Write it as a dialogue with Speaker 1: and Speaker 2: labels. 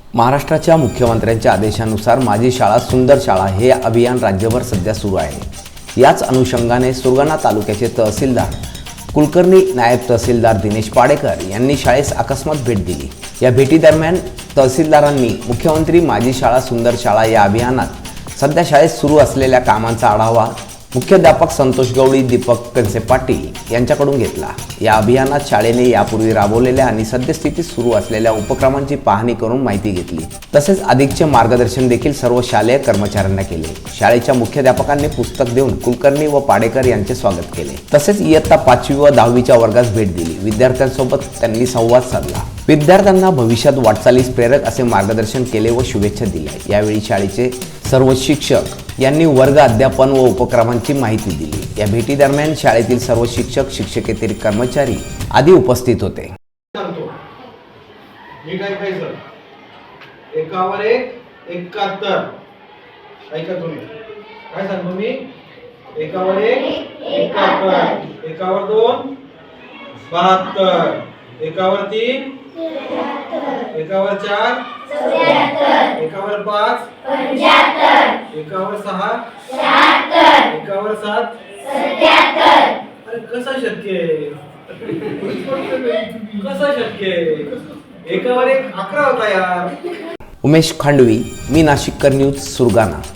Speaker 1: महाराष्ट्राच्या मुख्यमंत्र्यांच्या आदेशानुसार माझी शाळा सुंदर शाळा हे अभियान राज्यभर सध्या सुरू आहे। याच अनुषंगाने सुरगाणा तालुक्याचे तहसीलदार कुलकर्णी नायब तहसीलदार दिनेश पाडेकर यांनी शाळेस अकस्मात भेट दिली। या भेटीदरम्यान तहसीलदारांनी मुख्यमंत्री माझी शाळा सुंदर शाळा या अभियानात सध्या शाळेत सुरू असलेल्या कामांचा आढावा मुख्याध्यापक संतोष गवळी, दीपक कनसे पाटील यांच्याकडून घेतला। या अभियानात शाळेने यापूर्वी राबवलेल्या आणि सद्यस्थितीत सुरू असलेल्या उपक्रमांची पाहणी करून माहिती घेतली। तसेच अधिकचे मार्गदर्शन देखील सर्व शालेय कर्मचाऱ्यांना केले। शाळेच्या मुख्याध्यापकांनी पुस्तक देऊन कुलकर्णी व पाडेकर यांचे स्वागत केले। तसेच इयत्ता 5वी व 10वीच्या वर्गास भेट दिली। विद्यार्थ्यांसोबत त्यांनी संवाद साधला। विद्यार्थ्यांना भविष्यात वाटचालीस प्रेरक असे मार्गदर्शन केले व शुभेच्छा दिल्या। यावेळी शाळेचे सर्व शिक्षक यांनी वर्ग अध्यापन व उपक्रमांची माहिती दिली। या भेटी दरम्यान शाळेतील सर्व शिक्षक, शिक्षकेतर कर्मचारी आदी उपस्थित होते।
Speaker 2: एकावर एक 71 ऐका तुम्ही काय सांगतो मी एकावर एक 71 एकावर 2 72 एकावर 3 एकावर 4 74 एकावर 5 75 एकावर 6 76 एकावर 7 77 अरे कसं शक्य आहे कसं शक्य आहे एकावर एक 11 होता यार।
Speaker 1: उमेश खांडवी, मी नाशिककर न्यूज, सुरगाणा।